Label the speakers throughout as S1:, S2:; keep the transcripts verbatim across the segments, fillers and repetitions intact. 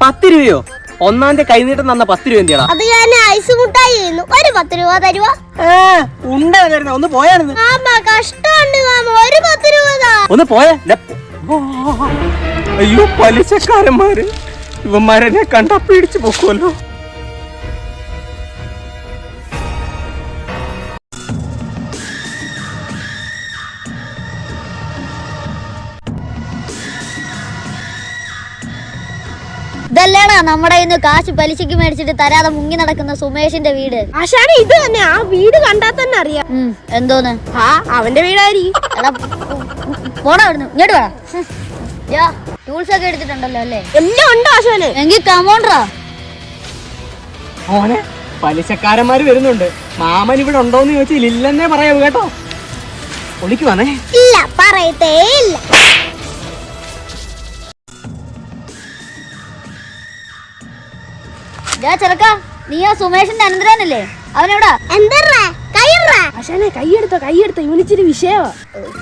S1: പത്ത് രൂപയോ? ഒന്നാം തീയതി കൈനീട്ടം തന്ന പത്ത് രൂപ എന്തിയാ?
S2: അത് ഞാൻ ഐസ് മുട്ടായി ചെയ്യുന്നു. ഒരു പത്ത് രൂപ തരുവാ?
S1: ഉണ്ട ഒന്ന് പോയായിരുന്നു.
S2: കഷ്ടമുണ്ട് മാമ, ഒരു പത്ത് രൂപ
S1: ഒന്ന് പോയാ. അയ്യോ പലിശക്കാരന്മാര്, ഇവന്മാരെന്നെ കണ്ടാ പിടിച്ചു പോക്കുമല്ലോ.
S3: ഇതല്ലേടാ നമ്മുടെ ഇന്ന് കാശ് പലിശക്ക് മേടിച്ചിട്ട് തരാതെ മുങ്ങി നടക്കുന്ന സുമേഷിന്റെ വീട്?
S2: ആശാനെ ഇത് തന്നെ, ആ വീട് കണ്ടാ തന്നെ അറിയാം.
S3: എന്തോന്ന്?
S2: ആ അവന്റെ വീടായിരിക്കും.
S3: എടാ പോടാ അവിടുന്ന്, ഇങ്ങോട്ട് വേണം. ടൂൾസ് ഒക്കെ എടുത്തിട്ടുണ്ടല്ലോ അല്ലേ?
S2: എല്ലാം ഉണ്ടോ ആശാനെ?
S3: എങ്കിൽ കമോണ്ടറാ.
S1: മോനെ പലിശക്കാരന്മാര് വരുന്നുണ്ട്. മാമൻ ഇവിടെ ഉണ്ടോന്ന് ചോദിച്ചാൽ ഇല്ലെന്നേ പറയാവൂ കേട്ടോ. ഒളിക്കുവാണേ.
S2: ഇല്ല പറയത്തേ ഇല്ല.
S3: ചെറുക്കാ, നീ ആ സുമേഷിന്റെ അനന്തരനല്ലേ? അവനെവിടാ?
S2: ആശാനെ കൈയെടുത്തോ കൈയെടുത്തോ, ഇവനിച്ചിരി വിഷയവാ.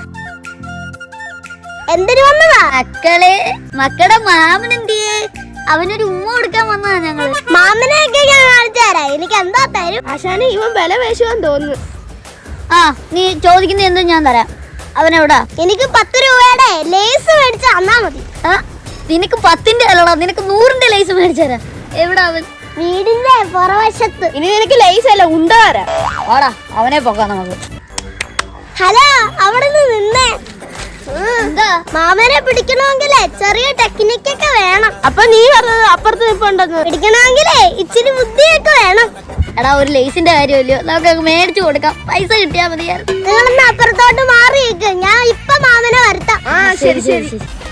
S2: എന്തിനു വന്നതാ?
S3: മക്കളെ മക്കളുടെ മാമനെന്തിയേ? അവനൊരു ഉമ്മ കൊടുക്കാൻ വന്നതാ ഞങ്ങള്.
S2: മാമനെയൊക്കെ ഞാൻ കാണിച്ചു തരാം. എനിക്ക് എന്താ തരും? ആശാനെ ഇവൻ വില വേശുവാൻ തോന്നുന്നു.
S3: ആ നീ ചോദിക്കുന്ന എന്തും ഞാൻ തരാം. അവനെവിടാ?
S2: എനിക്ക് പത്ത് രൂപയുടെ ലേസ് മേടിച്ച് തന്നാ മതി.
S3: ആ നിനക്ക് പത്തിന്റെ അല്ലടാ, നിനക്ക് നൂറിന്റെ ലേസ് മേടിച്ചു തരാം. എവിടാ അവൻ?
S2: വീടിന്റെ പുറവശത്ത്. ഇനി നിനക്ക് ലേസ് അല്ല ഉണ്ട തരാം.
S3: വാടാ അവനെ പോക്കാം നമുക്ക്.
S2: ഹലോ, അവിടെ നിന്നേ. എന്താ? മാമനെ പിടിക്കണമെങ്കിലേ ചെറിയ ടെക്നിക്കൊക്കെ വേണം. അപ്പൊ നീ പറഞ്ഞത് അപ്പുറത്ത് നിൽപ്പുണ്ടെന്ന്. പിടിക്കണമെങ്കിലേ ഇച്ചിരി ബുദ്ധിയൊക്കെ വേണം.
S3: എടാ ഒരു ലേസിന്റെ കാര്യമല്ലോ, നമുക്ക് മേടിച്ചു കൊടുക്കാം. പൈസ കിട്ടിയാ മതിയായിരുന്നു.
S2: നിങ്ങളൊന്ന് അപ്പുറത്തോട്ട് മാറിയേക്ക്, ഞാൻ ഇപ്പൊ മാമനെ വരുത്താം.
S3: ആ ശരി ശരി.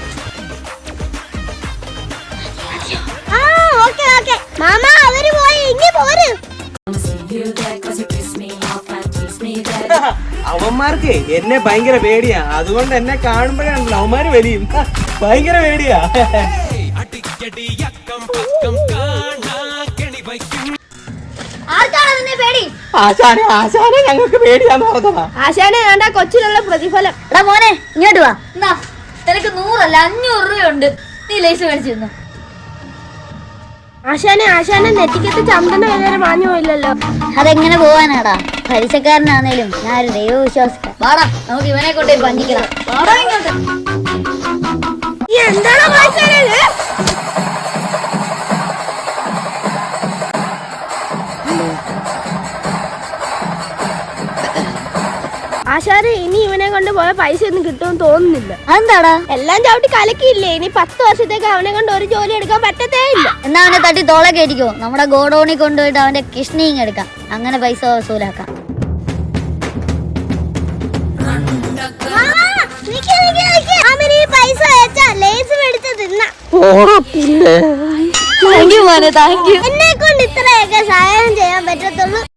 S2: ആ ഓക്കെ ഓക്കെ മാമ, അവര് പോയി, ഇങ്ങി പോര്.
S1: അവന്മാർക്ക് എന്നെ ഭയങ്കര പേടിയാ, അതുകൊണ്ട് എന്നെ കാണുമ്പോഴാണല്ലോ അവന്മാര് വലിയും. ഭയങ്കര പേടിയാ. ആശാനെ ആശാനെ ഞങ്ങൾക്ക് പേടിയാന്ന് പറഞ്ഞതാ.
S2: ആശാനെ വേണ്ട കൊച്ചിലുള്ള പ്രതിഫലം.
S3: എടാ മോനെ ഇങ്ങോട്ട് വാ. എന്നാ നിനക്ക് നൂറല്ല അഞ്ഞൂറ് രൂപയുണ്ട്, നീ ലേസ് മേടിച്ചു തന്നു.
S2: ആശാനെ ആശാനെ നെറ്റിക്കത്ത് ചന്ദന വേദന മാഞ്ഞു പോയില്ലല്ലോ.
S3: അതെങ്ങനെ പോവാനാടാ? പലിശക്കാരനാണേലും ഞാൻ ഒരു ദൈവവിശ്വാസിക്കാ. വാടാ നമുക്ക് ഇവനെ കൊണ്ടേ പഞ്ചിക്കണം. വാടാ ഇങ്ങോട്ട്.
S2: എന്താണോ ആശാനെ? ആശാനെ ഇനി ഇവനെ കൊണ്ട് പോയ പൈസ ഒന്നും കിട്ടുമെന്ന് തോന്നുന്നില്ല.
S3: അതെന്താടാ?
S2: എല്ലാം ചവിട്ടി കലക്കിയില്ലേ, ഇനി പത്ത് വർഷത്തേക്ക് അവനെ കൊണ്ട് ഒരു ജോലി എടുക്കാൻ പറ്റത്തേ ഇല്ല.
S3: എന്നാ അവനെ തട്ടി തോളെ കയറ്റിക്കോ, നമ്മുടെ ഗോഡൌണിൽ കൊണ്ടുപോയിട്ട് അവന്റെ കിഷ്ണിങ് എടുക്കാം. അങ്ങനെ പൈസ വസൂലാക്കാം.
S2: എന്നെ കൊണ്ട് ഇത്രയൊക്കെ സഹായം ചെയ്യാൻ പറ്റത്തുള്ളൂ.